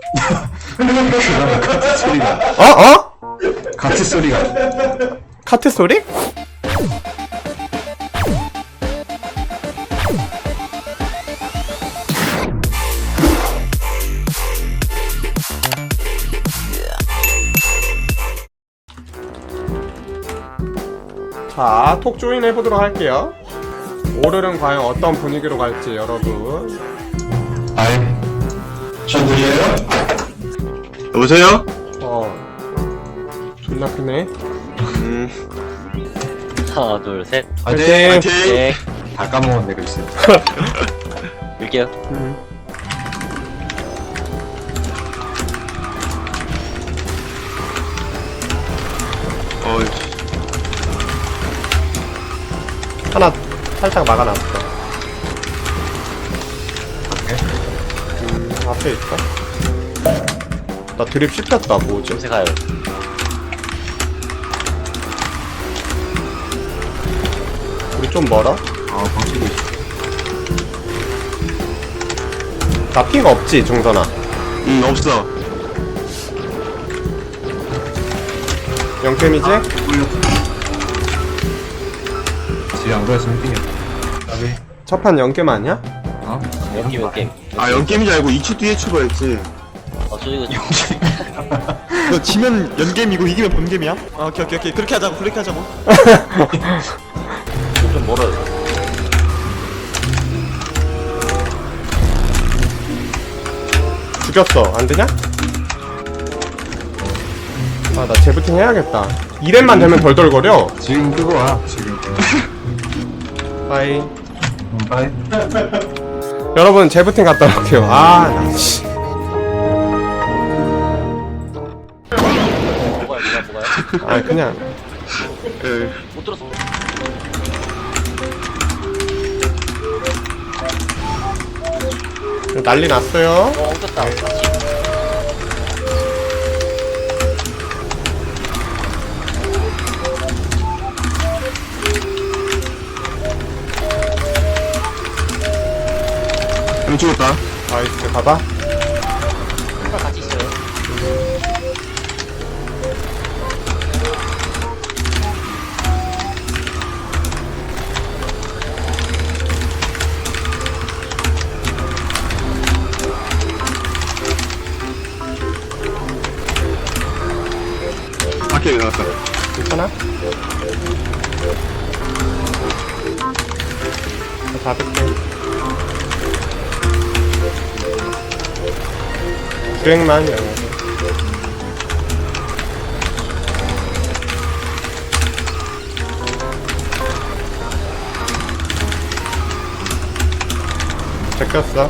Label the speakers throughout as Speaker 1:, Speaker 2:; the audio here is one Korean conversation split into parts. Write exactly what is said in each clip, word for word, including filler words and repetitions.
Speaker 1: 그러면 카트 소리가
Speaker 2: 어? 어?
Speaker 1: 카트 소리가
Speaker 2: 카트 소리? 자, 톡 조인 해보도록 할게요. 오늘은 과연 어떤 분위기로 갈지 여러분.
Speaker 1: 아이 저 들려요? 여보세요?
Speaker 2: 어 존나 크네.
Speaker 1: 음
Speaker 3: 하나 둘셋
Speaker 1: 화이팅!
Speaker 2: 화이팅!
Speaker 3: 네.
Speaker 1: 다 까먹었네 글쎄.
Speaker 3: 밀게요.
Speaker 2: 음.
Speaker 1: 어이
Speaker 2: 하나 살짝 막아놨어. 음, 앞에 있어? 나 드립 씹혔다. 뭐지?
Speaker 3: 냄새 가요.
Speaker 2: 우리 좀 멀어?
Speaker 1: 아 버티고 있어.
Speaker 2: 나 핑 없지, 종선아?
Speaker 1: 응 없어.
Speaker 2: 영템이지?
Speaker 1: 지안 그랬으면 뛰어. 나비.
Speaker 2: 첫판 영겜 아니야?
Speaker 1: 어?
Speaker 3: 연기 몇 게임.
Speaker 4: 아 연게임인 줄 알고 이 주 뒤에 출발했지.
Speaker 3: 어, 저 이거
Speaker 4: 너 지면 연게임이고 이기면 본게임이야? 아 오케이 오케이 오케이 그렇게 하자고 그렇게 하자고.
Speaker 3: 좀 멀어요.
Speaker 2: 죽였어. 안 되냐? 아, 나 재부팅 해야겠다. 이 렙만 되면 덜덜거려.
Speaker 1: 지금 끄고 와 지금.
Speaker 2: 빠이.
Speaker 1: 음, 빠이.
Speaker 2: 여러분, 재부팅 갔다 올게요. 아, 나, 씨.
Speaker 3: 뭐가요, 뭐가, 뭐가요?
Speaker 2: 아, 그냥.
Speaker 4: 그
Speaker 3: 못 들었어.
Speaker 2: 난리 났어요.
Speaker 3: 어, 엉켰다. 다시.
Speaker 4: 형 죽었다.
Speaker 2: 나이스, 가봐.
Speaker 3: 한발 같이 있어요.
Speaker 4: 밖에 나갔다.
Speaker 2: 괜찮아? 나 잡을게. 주행만 영어. 제꼈어.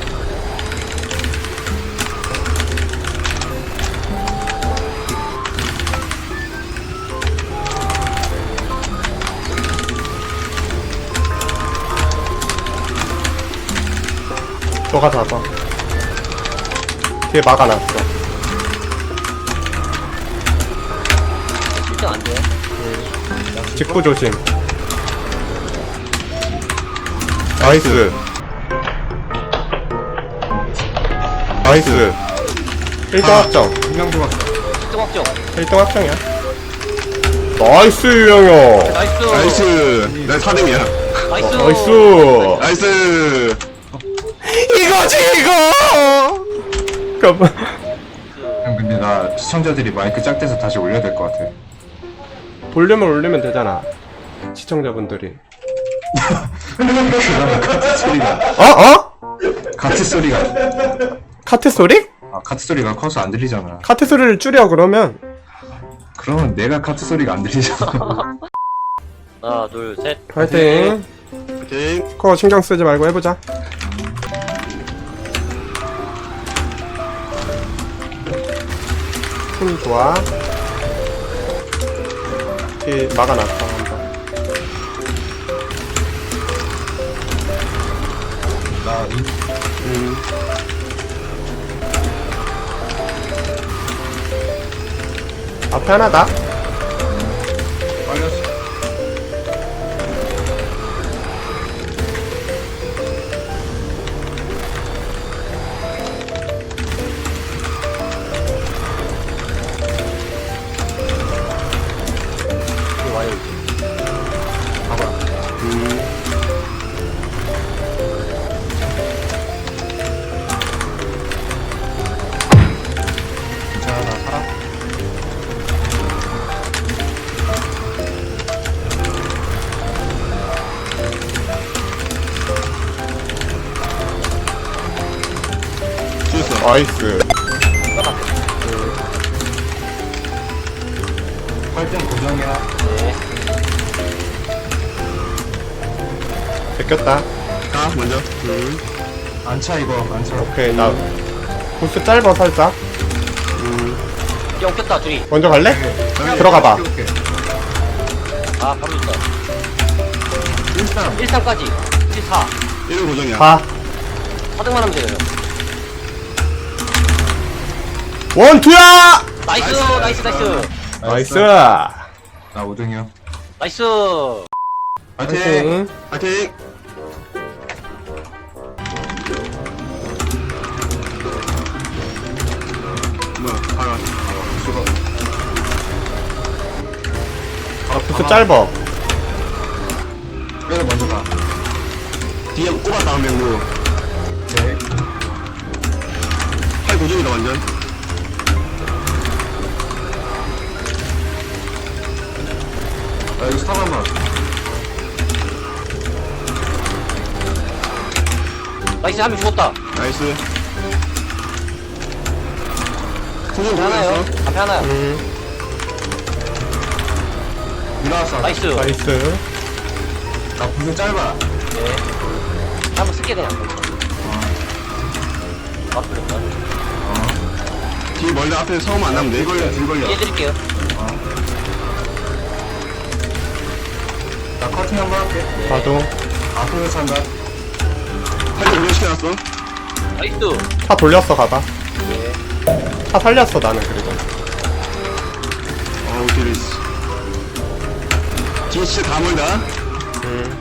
Speaker 2: 너가 잡아. 뒤에 막아놨어.
Speaker 3: 실전 안 돼요.
Speaker 2: 직구 조심. 나이스. 나이스. 일 등 확정.
Speaker 1: 한명도 왔어.
Speaker 3: 실전 확정.
Speaker 2: 일 등 확정이야. 나이스, 유영혁.
Speaker 3: 나이스.
Speaker 4: 나이스. 나 사 등이야.
Speaker 3: 나이스.
Speaker 2: 나이스.
Speaker 4: 나이스.
Speaker 2: 이거지, 이거! 잠깐만.
Speaker 1: 형 근데 나 시청자들이 마이크 짝대서 다시 올려야 될 것 같아.
Speaker 2: 볼륨을 올리면 되잖아. 시청자분들이.
Speaker 1: 그러면 카트 소리가
Speaker 2: 어? 어?
Speaker 1: 카트 소리가
Speaker 2: 카트 소리?
Speaker 1: 아 카트 소리가 커서 안 들리잖아.
Speaker 2: 카트 소리를 줄여, 그러면.
Speaker 1: 그러면 내가 카트 소리가 안 들리잖아.
Speaker 3: 하나 둘 셋.
Speaker 2: 화이팅.
Speaker 4: 오케이.
Speaker 2: 스코어 신경 쓰지 말고 해보자. 힘 좋아. 뒤 막아놨다, 한 번.
Speaker 1: 나
Speaker 2: 음. 앞에 하나다.
Speaker 1: 빨렸어.
Speaker 2: 나이스.
Speaker 1: 활등 고정이야.
Speaker 3: 네.
Speaker 2: 베꼈다.
Speaker 4: 가 먼저.
Speaker 2: 음.
Speaker 1: 안차 이거 안차.
Speaker 2: 오케이, 나 보스 짧아 살짝.
Speaker 3: 영 꼈다 둘이.
Speaker 2: 먼저 갈래? 들어가봐.
Speaker 1: 오케이, 오케이.
Speaker 3: 아 바로 있다.
Speaker 1: 일삼.
Speaker 3: 일 삼까지. 일 사.
Speaker 4: 일 고정이야.
Speaker 2: 가.
Speaker 3: 사 등만 하면 돼요.
Speaker 2: 원투야.
Speaker 3: 나이스 나이스 나이스.
Speaker 2: 나이스.
Speaker 1: 나 오 등이요.
Speaker 3: 나이스.
Speaker 1: 파이팅.
Speaker 2: 파이팅.
Speaker 4: 파이팅. 뭐야? 봐라.
Speaker 1: 수고.
Speaker 2: 아, 보스 짧아.
Speaker 1: 그래서 먼저 가.
Speaker 4: 뒤에 꼽아 다음 명으로.
Speaker 1: 오케이.
Speaker 4: 팔 고정이다 완전.
Speaker 1: 나 여기 스탑 한번.
Speaker 3: 나이스 한 명 죽었다.
Speaker 4: 나이스. 고정
Speaker 3: 앞에 하나요.
Speaker 4: 고정했어.
Speaker 3: 앞에 하나요.
Speaker 2: 음.
Speaker 1: 일어났어.
Speaker 3: 나이스.
Speaker 2: 나이스.
Speaker 1: 나 무슨 짧아.
Speaker 3: 네. 한번 쓸게 그냥. 아 그랬다.
Speaker 4: 뒤 멀다 앞에 서우면 안 나면 돼.
Speaker 1: 딜 걸려 딜 걸려.
Speaker 3: 이해드릴게요.
Speaker 1: 나 커팅 한번 할게.
Speaker 2: 나도.
Speaker 1: 앞으로 찬다.
Speaker 4: 팔 고정 시켜놨어.
Speaker 3: 나이스.
Speaker 2: 차 돌렸어, 가봐.
Speaker 3: 네.
Speaker 2: 차 살렸어, 나는 그리고.
Speaker 4: 어우 딜리스. 뒤에 진짜 다 멀다.
Speaker 2: 음.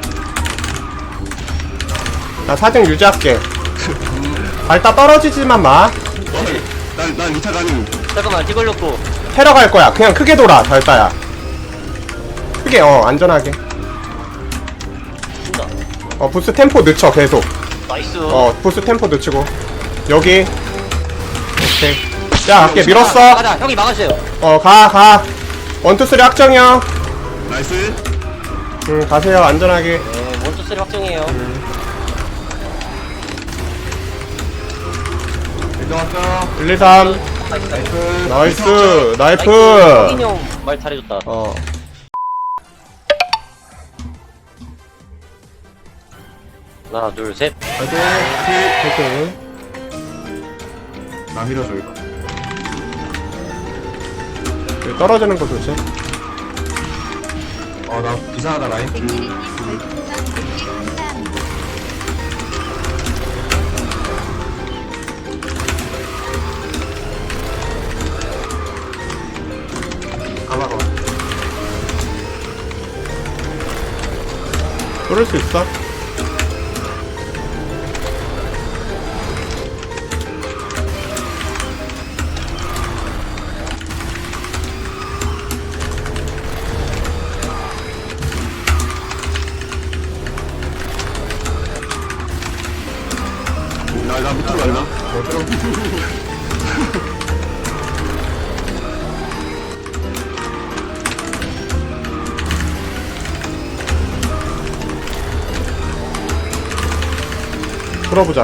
Speaker 2: 나 사등 유지할게. 발다 떨어지지만 마.
Speaker 4: 난, 난 리타 가능.
Speaker 3: 잠깐만 뒤 걸렸고.
Speaker 2: 테러 갈 거야. 그냥 크게 돌아, 달다야. 크게, 어, 안전하게.
Speaker 3: 준다.
Speaker 2: 어, 부스 템포 늦춰, 계속.
Speaker 3: 나이스.
Speaker 2: 어, 부스 템포 늦추고. 여기. 오케이. 야, 갈게, 밀었어.
Speaker 3: 가자 형이 막아주세요.
Speaker 2: 어, 가, 가. 원투 쓰리 확정이요.
Speaker 4: 나이스.
Speaker 2: 응, 가세요, 안전하게.
Speaker 3: 네 원투 쓰리 확정이에요.
Speaker 1: 일등학교.
Speaker 2: 일, 이, 삼.
Speaker 3: 나이스 나이스.
Speaker 1: 나이스.
Speaker 2: 나이스, 나이프.
Speaker 3: 형인 형말 잘해줬다.
Speaker 2: 어.
Speaker 3: 하나 둘 셋.
Speaker 1: 파이팅.
Speaker 2: 오케이.
Speaker 1: 나 밀어줘 이거.
Speaker 2: 여기 떨어지는 거 조심.
Speaker 1: 어 나 이상하다 라인. 가봐봐.
Speaker 2: 뚫을 수 있어?
Speaker 4: 나, 나 밑으로 간다.
Speaker 1: 못 들어.
Speaker 2: 풀어보자.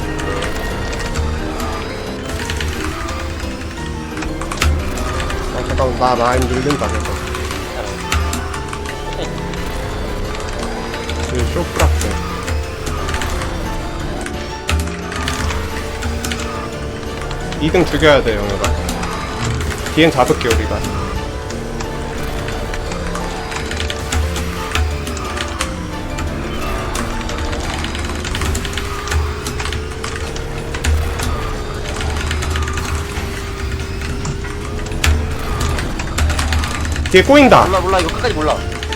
Speaker 2: 아, 잠깐만, 나 라인 늘린다, 계속. 여기 쇼프락스. 이 등 죽여야 돼, 영호가. 뒤엔 잡을게, 우리가. 뒤에 꼬인다.
Speaker 3: 몰라 몰라 이거 끝까지 몰라.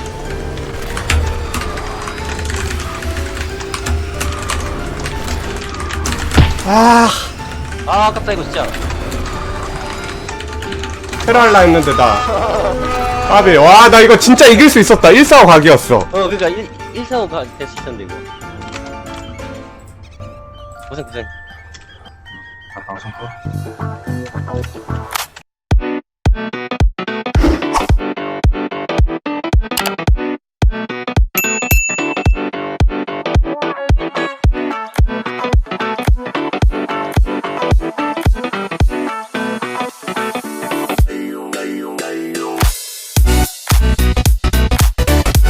Speaker 2: 아,
Speaker 3: 아 아깝다 이거 진짜.
Speaker 2: 테러할라 했는데, 나. 아비, 와, 나 이거 진짜 이길 수 있었다. 일 사 오 각이었어.
Speaker 3: 어 그니까 일 일사오가 될 수 있었는데 이거. 고생 고생.
Speaker 1: 아 방송 꺼.